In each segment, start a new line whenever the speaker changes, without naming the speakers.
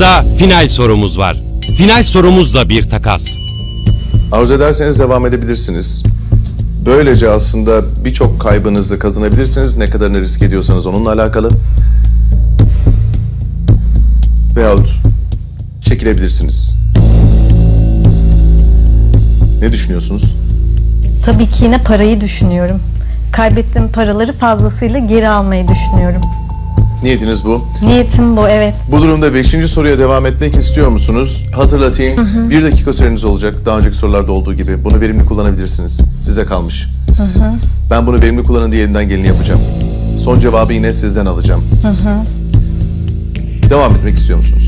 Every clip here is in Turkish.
Sırada final sorumuz var. Final sorumuz da bir takas.
Arzu ederseniz devam edebilirsiniz. Böylece aslında birçok kaybınızı kazanabilirsiniz. Ne kadarını risk ediyorsanız onunla alakalı. Veyahut çekilebilirsiniz. Ne düşünüyorsunuz?
Tabii ki yine parayı düşünüyorum. Kaybettiğim paraları fazlasıyla geri almayı düşünüyorum.
Niyetiniz bu.
Niyetim bu, evet.
Bu durumda 5. soruya devam etmek istiyor musunuz? Hatırlatayım. 1 dakika süreniz olacak. Daha önceki sorularda olduğu gibi. Bunu verimli kullanabilirsiniz. Size kalmış. Ben bunu verimli kullanın diye elimden geleni yapacağım. Son cevabı yine sizden alacağım. Devam etmek istiyor musunuz?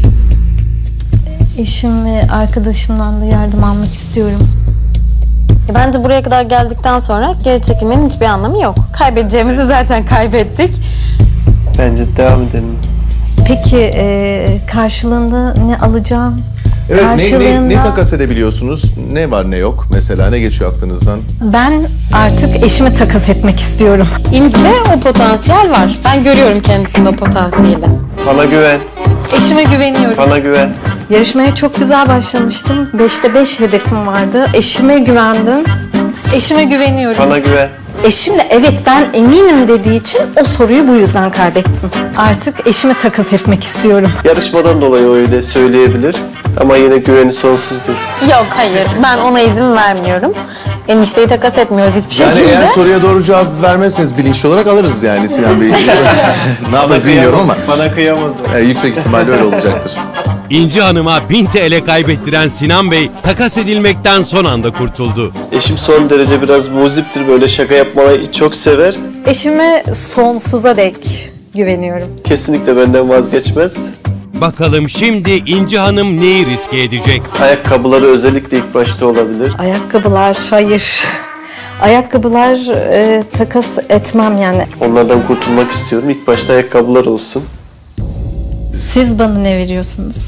Eşim ve arkadaşımdan da yardım almak istiyorum.
Bence buraya kadar geldikten sonra geri çekilmenin hiçbir anlamı yok. Kaybedeceğimizi zaten kaybettik.
Bence devam edelim.
Peki karşılığında ne alacağım?
Evet,
Karşılığında...
ne takas edebiliyorsunuz? Ne var ne yok? Mesela ne geçiyor aklınızdan?
Ben artık eşimi takas etmek istiyorum.
İnci'de o potansiyel var. Ben görüyorum kendisinde o potansiyeli.
Bana güven,
Eşime güveniyorum.
bana güven.
Yarışmaya çok güzel başlamıştım. 5'te 5 hedefim vardı. Eşime güvendim. Eşime güveniyorum.
Bana güven.
Eşim de evet ben eminim dediği için o soruyu bu yüzden kaybettim. Artık eşimi takas etmek istiyorum.
Yarışmadan dolayı öyle söyleyebilir ama yine güveni sonsuzdur.
Yok, hayır. Ben ona izin vermiyorum. Enişteyi takas etmiyoruz hiçbir
Yani
şekilde.
eğer soruya doğru cevap vermezseniz bilinçli olarak alırız yani Sinan Bey. Ne yaparız bilmiyorum ama
Bana kıyamaz.
yüksek ihtimalle öyle olacaktır.
İnci Hanım'a 1000 TL kaybettiren Sinan Bey takas edilmekten son anda kurtuldu.
Eşim son derece biraz muziptir, böyle şaka yapmayı çok sever.
Eşime sonsuza dek güveniyorum.
Kesinlikle benden vazgeçmez.
Bakalım şimdi İnci Hanım neyi riske edecek?
Ayakkabıları özellikle ilk başta olabilir.
Ayakkabılar hayır. Ayakkabılar takas etmem yani.
Onlardan kurtulmak istiyorum. İlk başta ayakkabılar olsun.
Siz bana ne veriyorsunuz?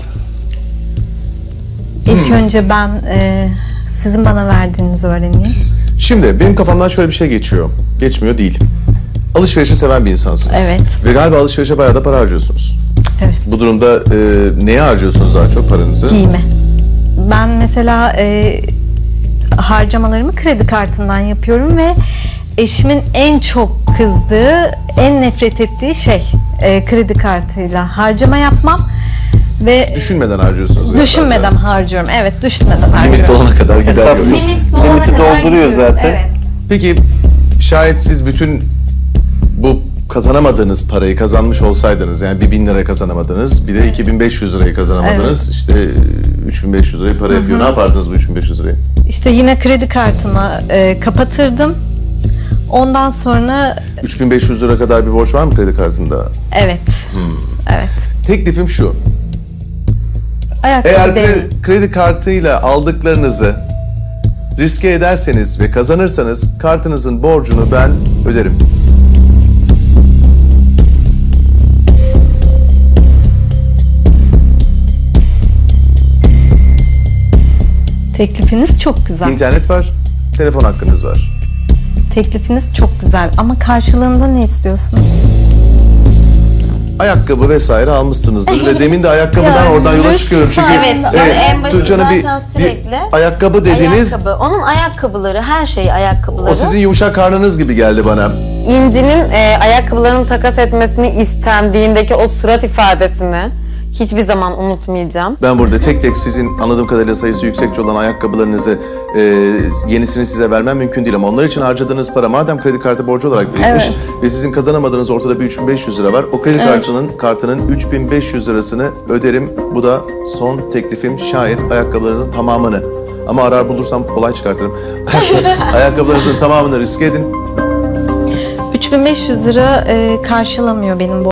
İlk önce ben sizin bana verdiğinizi öğreneyim.
Şimdi benim kafamdan şöyle bir şey geçiyor. Geçmiyor değil. Alışverişi seven bir insansınız.
Evet.
Ve galiba alışverişe bayağı da para harcıyorsunuz.
Evet.
Bu durumda neye harcıyorsunuz daha çok paranızı?
Giyime. Ben mesela harcamalarımı kredi kartından yapıyorum ve eşimin en çok kızdığı, en nefret ettiği şey kredi kartıyla harcama yapmam ve
Düşünmeden harcıyorsunuz.
düşünmeden harcıyorum. Evet, düşünmeden
Limit
harcıyorum.
dolana kadar gider
Hesapsız.
diyorsunuz.
Limiti dolduruyor zaten.
Evet.
Peki şayet siz bütün bu kazanamadığınız parayı kazanmış olsaydınız, yani bir 1000 lira kazanamadınız, bir de 2500 lirayı kazanamadınız, işte 3500 lirayı para yapıyor. Ne yapardınız bu 3500 lirayı?
İşte yine kredi kartımı kapatırdım. Ondan sonra
3500 lira kadar bir borç var mı kredi kartında?
evet. Evet.
Teklifim şu.
Ayakkabı
Eğer
değil.
kredi kartıyla aldıklarınızı riske ederseniz ve kazanırsanız kartınızın borcunu ben öderim.
Teklifiniz çok güzel.
İnternet var, telefon hakkınız var.
Teklifiniz çok güzel ama karşılığında ne istiyorsunuz?
Ayakkabı vesaire almışsınızdır ve demin de ayakkabıdan oradan yola çıkıyorum çünkü
Evet, en başında
Tuğçe Hanım
zaten sürekli
ayakkabı dediniz.
ayakkabı. Onun ayakkabıları, her şeyi ayakkabıları.
O sizin yumuşak karnınız gibi geldi bana.
İnci'nin ayakkabılarını takas etmesini istendiğindeki o surat ifadesini hiçbir zaman unutmayacağım.
Ben burada tek tek sizin anladığım kadarıyla sayısı yüksekçe olan ayakkabılarınızı yenisini size vermem mümkün değil ama onlar için harcadığınız para madem kredi kartı borcu olarak birikmiş ve sizin kazanamadığınız ortada bir 3500 lira var. O kredi kartının 3500 lirasını öderim. Bu da son teklifim, şayet ayakkabılarınızın tamamını, ama arar bulursam olay çıkartırım. Ayakkabılarınızın tamamını riske edin.
3500 lira karşılamıyor benim